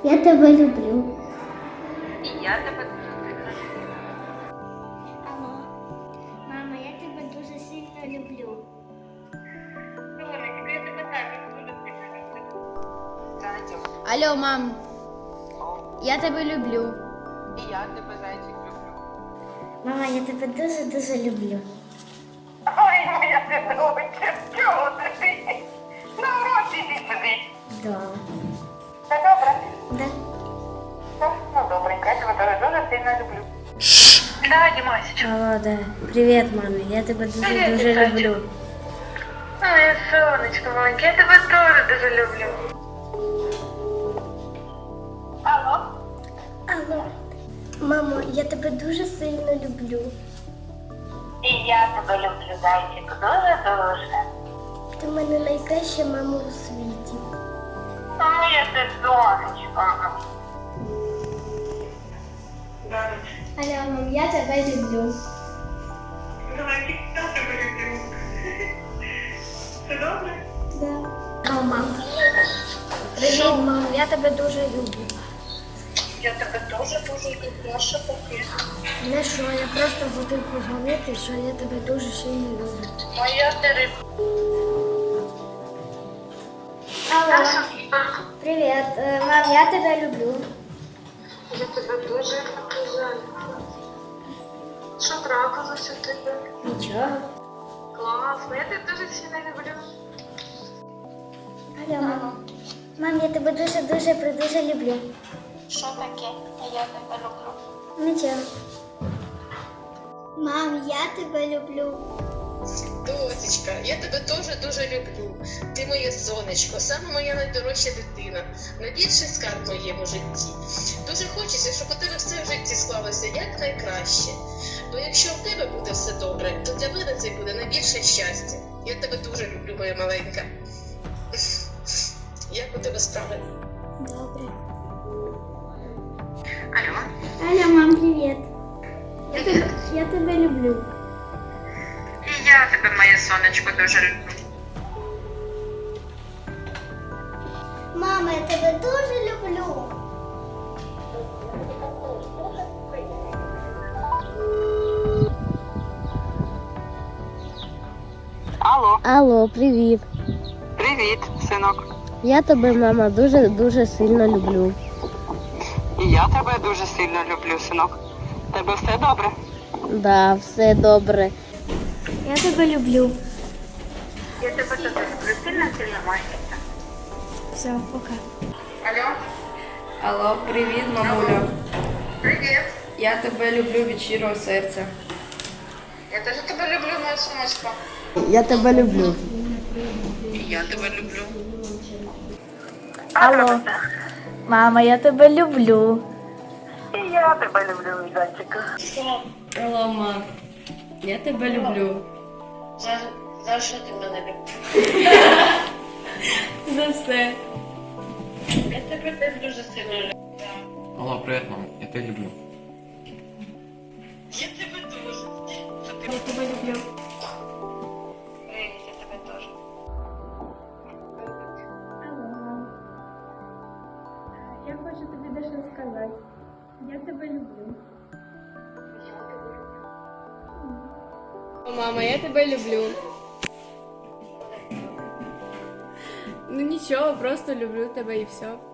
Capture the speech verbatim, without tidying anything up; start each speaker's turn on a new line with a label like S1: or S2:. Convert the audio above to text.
S1: Я тебе люблю.
S2: І я тебе дуже сильно люблю.
S1: Алло. Мама, я тебе дуже сильно люблю.
S2: Сонечко, я тебе також дуже сильно люблю. Зайчик.
S3: Алло, мам,
S2: О,
S3: я тебе люблю.
S2: і я тебе, зайчик, люблю.
S1: Мама, я тебе дуже-дуже люблю.
S2: Ой, моя дитиночка, чого ти? На уроці йди сюди.
S1: Да.
S2: Все добре?
S1: Да.
S2: Так, ну добренько, я тебе дуже, дуже сильно люблю. Да, Дімасечка.
S1: Алло, да. Привіт, мама. Я тебе
S2: Привіт,
S1: дуже-дуже
S2: Вітальчик.
S1: люблю.
S2: Ой, сонечко маленьке, я тебе теж дуже люблю. Алло?
S1: Алло. Мамо, я тебе дуже сильно люблю.
S2: І я тебе люблю, зайчик, дуже-дуже.
S1: Ти в мене найкраща мама у світі.
S2: Моє ти сонечко.
S1: Алло, мам, я тебе люблю.
S2: Зайчик, я тебе люблю. Все добре?
S1: Да. Алло, мам. Привіт, мам, я тебе дуже люблю.
S2: Я тебе дуже дуже люблю, а що таке?
S1: Не що, я просто хотів поговорити, що я тебе дуже сильно люблю.
S2: Моя ти риб.
S1: Алло. Привіт, Е, мам, я тебе люблю.
S2: Я тебе дуже люблю, зайчик. Що трапилося в тебе?
S1: Нічого.
S2: Класно, я тебе дуже сильно люблю.
S1: Алло, мам. Мам, я тебе дуже-дуже дуже люблю.
S2: Що таке? Я тебе люблю.
S1: Нічого. Мам, я тебе люблю.
S4: Досечка, я тебе теж дуже люблю. Ти моє сонечко, саме моя найдорожча дитина, найбільший скарб в моєму житті. Дуже хочеться, щоб у тебе все в житті склалося як найкраще. Бо якщо в тебе буде все добре, то для мене це буде найбільше щастя. Я тебе дуже люблю, моя маленька. Як у тебе справи?
S1: Добре.
S2: Алло?
S1: Алло, мам, привіт. Я тебе, я тебе люблю.
S2: І я тебе, моє сонечко, дуже люблю.
S1: Мама, я тебе дуже люблю.
S2: Алло,
S3: Алло, привіт.
S2: привіт, синок.
S3: Я тебе, мама, дуже-дуже сильно люблю.
S2: І я тебе дуже сильно люблю, синок. Тебе все добре?
S3: Да, все добре.
S1: Я тебе люблю.
S2: Я тебе дуже люблю, сильно, сильно, мальчика.
S1: Все, пока.
S2: Алло,
S5: Алло, привіт, мамуля.
S2: привіт.
S5: Я тебе люблю від щирого серця.
S2: Я теж тебе люблю, моя сонечко.
S3: Я тебе люблю.
S4: І я тебе люблю.
S5: Алло. Мама, я тебе люблю.
S2: І я тебе люблю, мій зайчик.
S5: Алло, мам. Я тебе люблю.
S4: За, за що ти мене любиш?
S5: За все.
S4: Я тебе теж дуже сильно люблю.
S6: Алло, привет, мам. Я тебя люблю.
S4: Я тебе дуже.
S1: Я тебе люблю.
S4: Привіт, я тебе теж.
S1: Алло, мам. Я хочу тобі дещо сказати. Я тебе люблю.
S5: Мама, я тебе люблю. Ну нічого, просто люблю тебе і все.